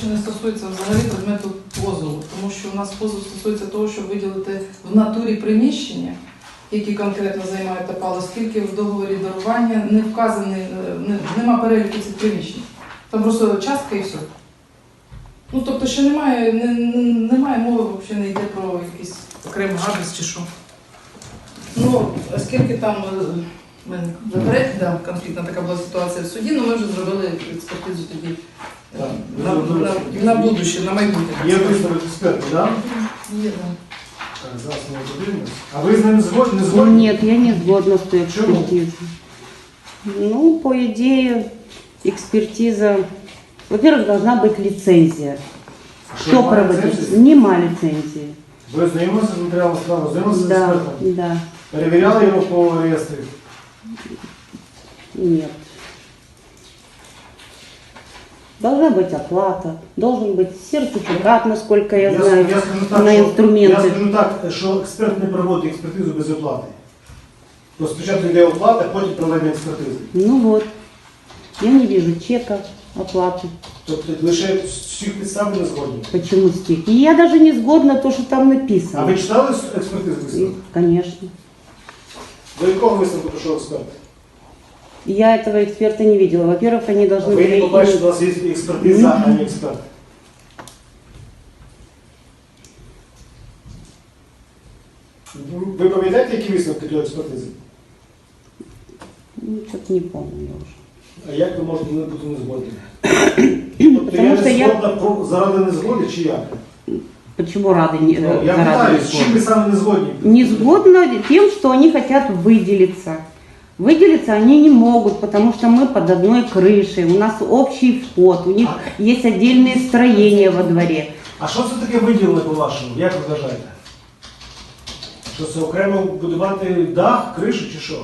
речі, не стосується взагалі предмету позову, тому що у нас позов стосується того, щоб виділити в натурі приміщення, які конкретно займають ТАПАЛ, оскільки в договорі дарування не вказаний, нема переліку цих приміщень. Там просто частка і все. Ну, тобто, ще немає мови, взагалі не йде про якийсь окремий адрес чи що. Ну, оскільки там конфліктна така була ситуація в суді, ну ми вже зробили експертизу тоді на будущее, на майбутнє. Є висновок експерта, так? Є, так. Так, зараз ми подивимось. А ви з ним згодні? Не згодні? Нет, я не сгодна с той экспертизой. Ну, по идее, экспертиза... Во-первых, должна быть лицензия. Що, Кто немає проводит? лицензії? Нема лицензии. Ви знайомилися з матеріалом справи, знайомилися з Да, експертом? да, Перевіряли його по реєстрі? нет. Должна быть оплата, должен быть сертификат, насколько я знаю, на я инструменты. скажу так, що експерт не проводить експертизу без оплати. То спочатку йде оплата, потім проведення експертизи. Ну вот, я не вижу чека, оплаты. Тобто лише з всіх підстав не згодні. Почему стих? И я даже не сгодна то, что там А написано. ви читали експертизу висновок? Конечно. До якого висновку прийшов експерт? Я этого эксперта не видела. Во-первых, они должны Ви не были... побачите, у нас є експертиза, а не експерт. Ви пам'ятаєте, які висновки тієї експертизи? Ну, что-то не помню я уже. А як ви можете бути не згодні? Тобто я що не я- згодна заради незгоди чи як? Почему рады не, Ну, я заради питаю, не з чим ви сгодны? саме не згодні? Не сгодно тем, что они хотят выделиться. Выделиться они не могут, потому что мы под одной крышей, у нас общий вход, у них есть отдельные строения во дворе. А що це таке виділили по-вашому? Як ви вважаєте? Що це окремо будувати дах, кришу чи що?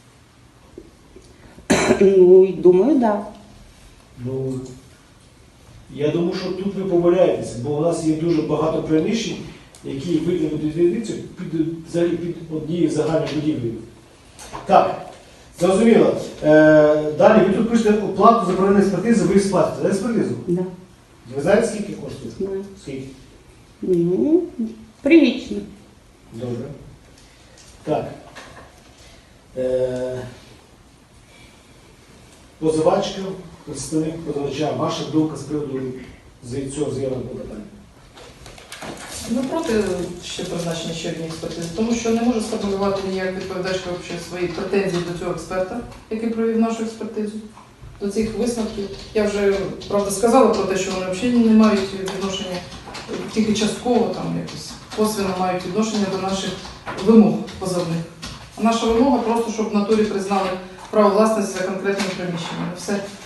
Ну, и думаю, да. Ну, я думаю, що тут ви помиляєтеся, бо у нас є дуже багато приміщень, які виділені під однією загальною будівлею. Так, зрозуміло. Далі, ви тут пишете оплату за проведення експертизи, ви сплатите за експертизу. Да. Ви знаєте, скільки коштує? Знаю. Скільки? Ну, прилично. Добре. Так. Позивачка, представник позивача, ваша думка з приводу цього заявленого питання? Ми проти ще призначення ще однієї експертизи, тому що не може сформулювати ніяк відповідачка взагалі свої претензії до цього експерта, який провів нашу експертизу, до цих висновків. Я вже, правда, сказала про те, що вони взагалі не мають відношення, тільки частково там якось косвенно мають відношення до наших вимог позовних. А наша вимога просто, щоб в натурі признали право власності за конкретним приміщенням. Все.